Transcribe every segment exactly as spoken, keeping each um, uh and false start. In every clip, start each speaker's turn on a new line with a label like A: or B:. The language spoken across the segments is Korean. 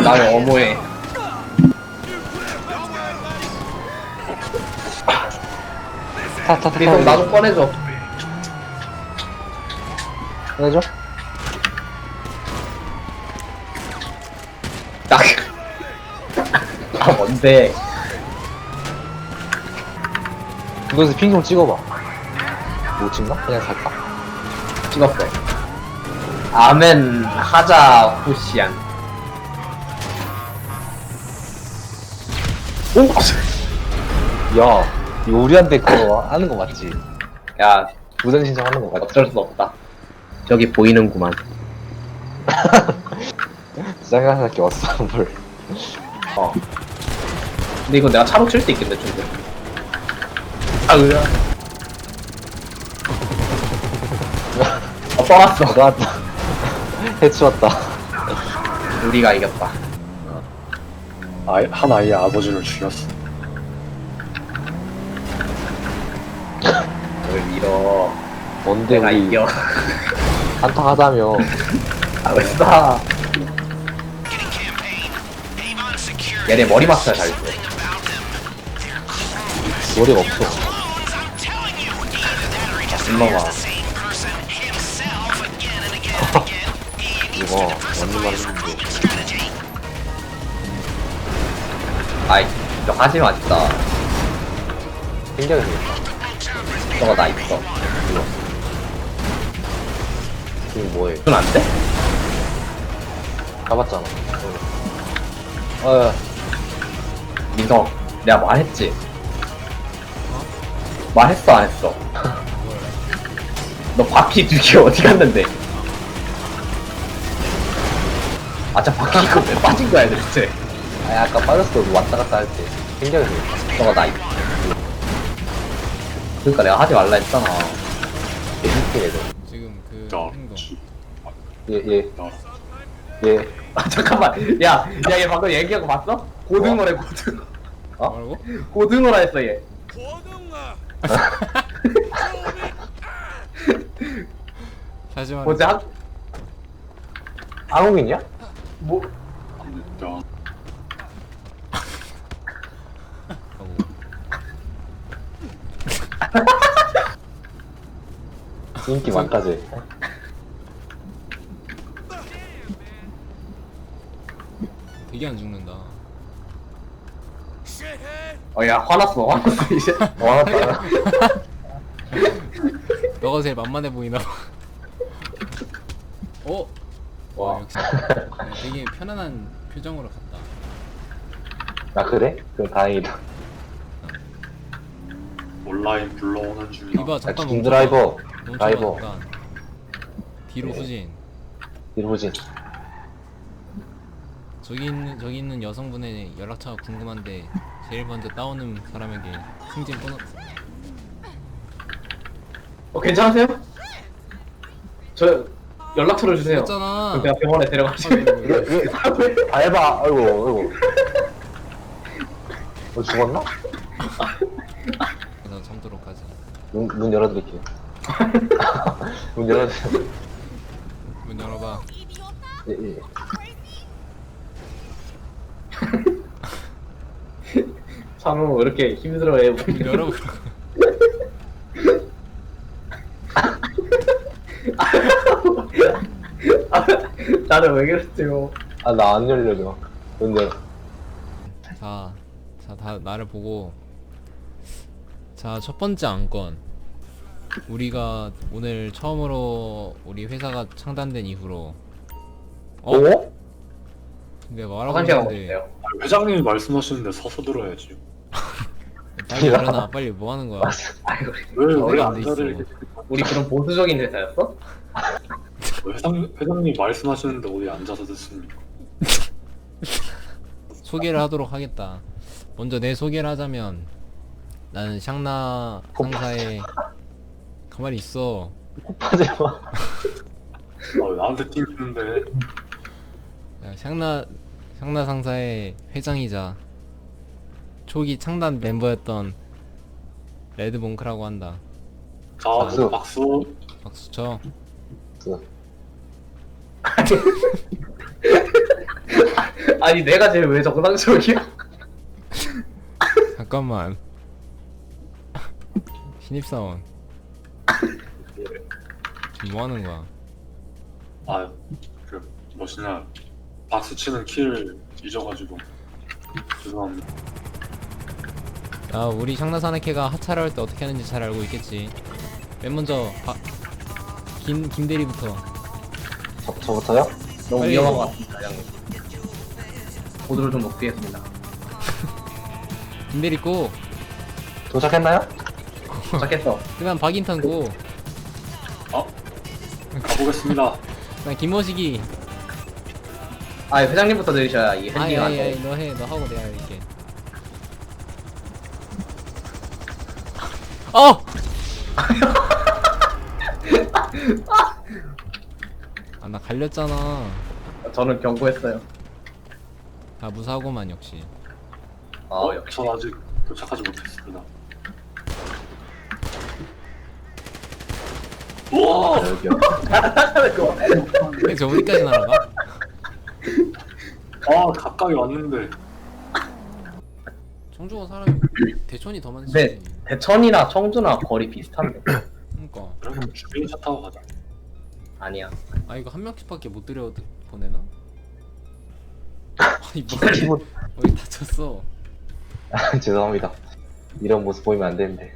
A: 나를 어모해.
B: 타타타
A: 리성 나도 꺼내줘.
B: 꺼내줘?
A: 나. 아 뭔데?
B: 이거에서 핑 좀 찍어봐. 못 찍나? 그냥 갈까?
A: 찍었어. 아멘 하자 후시안.
B: 오! 야, 이거 우리한테 그거 하는 거 맞지?
A: 야
B: 무단 신청하는 거 맞지?
A: 어쩔 수 없다. 저기 보이는구만.
B: 짜증날 게 왔어, 뭘.
A: 어. 근데 이거 내가 차로 칠 수 있겠네 좀. 아 으아. 어 떠났어.
B: 나왔다. 해치웠다.
A: 우리가 이겼다.
C: 아이, 한 아이의 아버지를 죽였어.
A: 뭘 밀어.
B: 뭔데,
A: 내가
B: 우리
A: 이겨.
B: 한타 하자며.
A: 알았어. 얘네 머리 마스터 잘 줘.
B: 머리가 없어.
A: 엄마가.
B: 이거, 맞는 말 했는데.
A: 아이 저 하지마 진짜.
B: 생각이 되겠다.
A: 저거 나 있어.
B: 지금 뭐해?
A: 이건 안 돼?
B: 가봤잖아. 어,
A: 민성 내가 말했지? 말했어 안 했어? 너 바퀴 두 개 어디 갔는데? 아자 바퀴 이거 왜 빠진 거야 도대체?
B: 아니, 아까 빠졌어. 왔다 갔다 할 때. 생각이 되겠다.
A: 저거 나 있어. 그러니까 내가 하지 말라 했잖아.
B: 개새끼 애들.
D: 지금 그
C: 야,
D: 행동
B: 예, 예,
C: 야,
B: 예.
A: 아 잠깐만. 야, 야 얘 방금 얘기한 거 봤어? 고등어래 고등어.
B: 어?
D: 뭐라고?
A: 고등어라 했어 얘.
D: 다시 말해.
A: 뭐지? 한
B: 한국인이야?
A: 뭐?
C: 야,
B: 인기 많다지.
D: 되게 안 죽는다.
A: 어야 화났어 화났어 이제.
B: 와났다.
D: 너가 제일 만만해 보이나 봐. 어?
A: 와.
D: 와 역시 그냥 되게 편안한 표정으로 갔다.
B: 아, 그래? 그럼 다행이다.
C: 온라인 불러오는 중이야.
D: 이봐
B: 아,
D: 잠깐
B: 중
D: 멈춰.
B: 드라이버.
D: 멈춰
B: 드라이버.
D: 잠깐. 뒤로
B: 네.
D: 후진.
B: 일호진.
D: 저기 있는 저기 있는 여성분의 연락처가 궁금한데 제일 먼저 따오는 사람에게 승진 보너스.
A: 어 괜찮으세요? 저 연락처를 주세요.
D: 했잖아.
A: 그럼 내가 병원에 데려가시고.
B: 아, 해봐. 아이고, 아이고. 어, 죽었나?
D: 그래서 참도록 하지.
B: 문, 문 열어드릴게요. 문 열어드릴게요.
D: 문 열어봐.
B: 예, 예.
A: 참으로 왜 이렇게 힘들어해.
D: 문 열어보라고.
A: 나는 왜 그랬지요?
B: 아, 나 안 열려줘. 문 열어.
D: 자, 자, 다 나를 보고. 자, 첫 번째 안건. 우리가 오늘 처음으로 우리 회사가 창단된 이후로. 어?
B: 어?
D: 내가 말하고
A: 화장실 가고
D: 있는데
A: 있어요.
C: 회장님이 말씀하시는데 서서 들어야지.
D: 빨리 일어나. 빨리 뭐 하는 거야?
A: 아이고,
C: 왜,
D: 어,
C: 왜
D: 안 돼 있어.
C: 앉아를
A: 우리 그런 보수적인 회사였어?
C: 회장, 회장님 말씀하시는데 어디 앉아서 듣습니까?
D: 소개를 하도록 하겠다. 먼저 내 소개를 하자면 나는 샹나 상사의 가만히 있어.
B: 하지 마.
C: 아, 왜 나한테 튕기는데.
D: 야, 샹나 샹나 상사의 회장이자 초기 창단 멤버였던 레드몽크라고 한다.
C: 자,
B: 박수.
C: 박수.
D: 박수 쳐.
A: 아니 내가 제일 왜 정상적이야?
D: 잠깐만. 신입사원. 지금 뭐 하는 거야?
C: 아그 뭐시냐 박수 치는 키를 잊어가지고 죄송합니다.
D: 야, 우리 샹나사나케가 하차를 할 때 어떻게 하는지 잘 알고 있겠지. 맨 먼저 바, 김 김대리부터.
B: 저, 저부터요?
A: 너무
D: 빨리.
A: 위험한 것 같습니다, 형님. 보드를 좀 높이겠습니다.
D: 김대리 고.
B: 도착했나요?
A: 도착했어.
D: 그다음 박인턴 고.
C: 아 가보겠습니다.
D: 그다음 김모식이.
A: 아 회장님부터 내리셔야 이
D: 아이
A: 핸딩 안
D: 아이 아이
A: 돼.
D: 너 해. 너 하고 내가 이렇게. 어! 아, 나 갈렸잖아.
A: 저는 경고했어요.
D: 아, 무사고만 역시.
A: 아
C: 어,
A: 역시.
C: 전 아직 도착하지 못했습니다.
B: 아, 여기요.
D: 근데 저 어디까지 날아가?
C: 아 가까이 왔는데
D: 청주가 사람이 대천이 더 많지.
A: 네. 대천이나 청주나 거리 비슷한데.
D: 그러니까.
C: 그럼 주행차 타고 가자.
A: 아니야.
D: 아, 이거 한 명씩밖에 못 들여 보내나? 아니 뭐
B: 기분
D: 어디 다쳤어?
B: 죄송합니다. 이런 모습 보이면 안 되는데.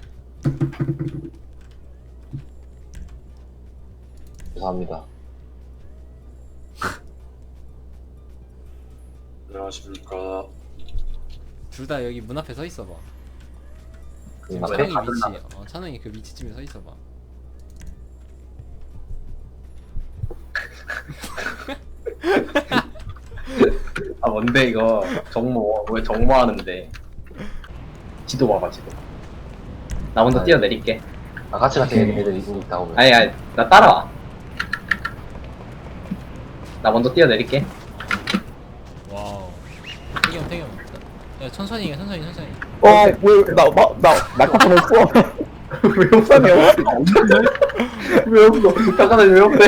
B: 죄송합니다.
C: 안녕하십니까.
D: 둘 다 여기 문 앞에 서 있어봐.
B: 그
D: 지금
B: 앞에
D: 찬웅이 위치, 어 찬웅이 그 위치쯤에 서 있어봐.
A: 아 뭔데 이거 정모 왜 정모하는데? 지도 봐봐 지도. 나 먼저
B: 아니.
A: 뛰어내릴게.
B: 아, 같이 같은 애들이 있다고.
A: 아니 아니 나 따라와. 나 먼저 뛰어내릴게.
D: 와우. 태경 태경. 야 천천히 해 천천히 천천히.
E: 어, 왜, 나, 나, 나, 마카폰 없어.
A: 왜 없어? 왜 없어? 잠깐만 왜 없어?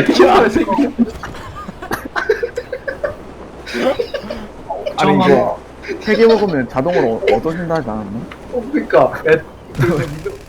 E: 아니, 이거, 세 개 먹으면 자동으로 얻어진다 하지 않았나?
A: 어, 그니까. 애,